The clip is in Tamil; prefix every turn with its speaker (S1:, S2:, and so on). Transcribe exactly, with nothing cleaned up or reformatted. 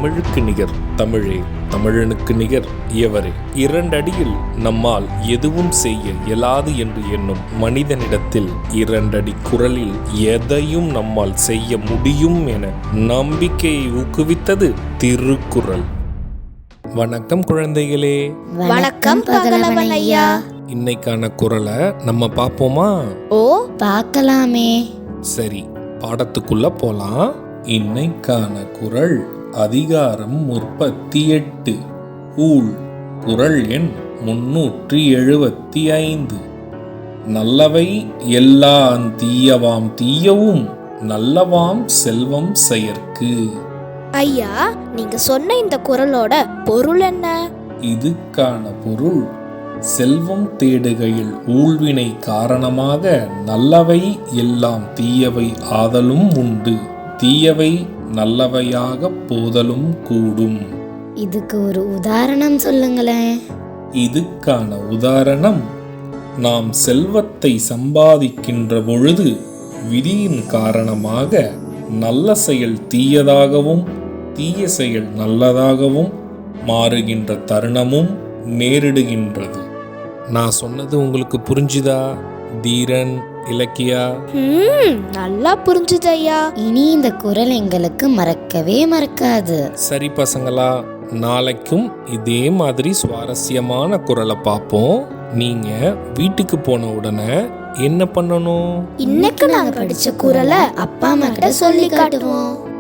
S1: தமிழுக்கு நிகர் தமிழே, தமிழனுக்கு நிகர் எவரே. இரண்டடியில் நம்மால் எதுவும் செய்ய இயலாது என்று எண்ணும் மனிதனிடத்தில் இரண்டடி குரலில் எதையும் நம்மால் செய்ய முடியும் என நம்பிக்கையை ஊக்குவித்தது திருக்குறள். வணக்கம் குழந்தைகளே.
S2: வணக்கம் பகலவன் ஐயா.
S1: இன்னைக்கான குறளை நம்ம பார்ப்போமா?
S2: ஓ, பார்க்கலாமே.
S1: சரி, பாடத்துக்குள்ள போலாம். இன்னைக்கான குறள் அதிகாரம் முப்பத்தி எட்டு, ஊழ். குறள் எண் முன்னூற்றி எழுபத்தி ஐந்து. நல்லவை எல்லாம் தீயவாம் தீயவும் நல்லவாம் செல்வம் செயற்கு.
S2: ஐயா, நீங்க சொன்ன இந்த குறளோட பொருள் என்ன?
S1: இதுக்கான பொருள், செல்வம் தேடுகையில் ஊழ்வினை காரணமாக நல்லவை எல்லாம் தீயவை ஆதலும் உண்டு, தீயவை நல்லவையாக போதலும் கூடும்.
S2: இதுக்கு ஒரு உதாரணம் சொல்லுங்களேன்.
S1: இதுக்கான உதாரணம், நாம் செல்வத்தை சம்பாதிக்கின்ற பொழுது விதியின் காரணமாக நல்ல செயல் தீயதாகவும் தீய செயல் நல்லதாகவும் மாறுகின்ற தருணமும் நேரிடுகின்றது. நான் சொன்னது உங்களுக்கு புரிஞ்சுதா தீரன், இலக்கியா?
S2: நல்லா புரிஞ்சுது ஐயா. இனி இந்த குறள் எங்களுக்கு மறக்கவே மறக்காது.
S1: சரி பசங்களா, நாளைக்கும் இதே மாதிரி சுவாரஸ்யமான குறளை பார்ப்போம். நீங்க வீட்டுக்கு போன உடனே என்ன பண்ணணும்?
S2: இன்னைக்கு நாங்க படிச்ச குறளை அப்பா அம்மா கிட்ட சொல்லி காட்டுவோம்.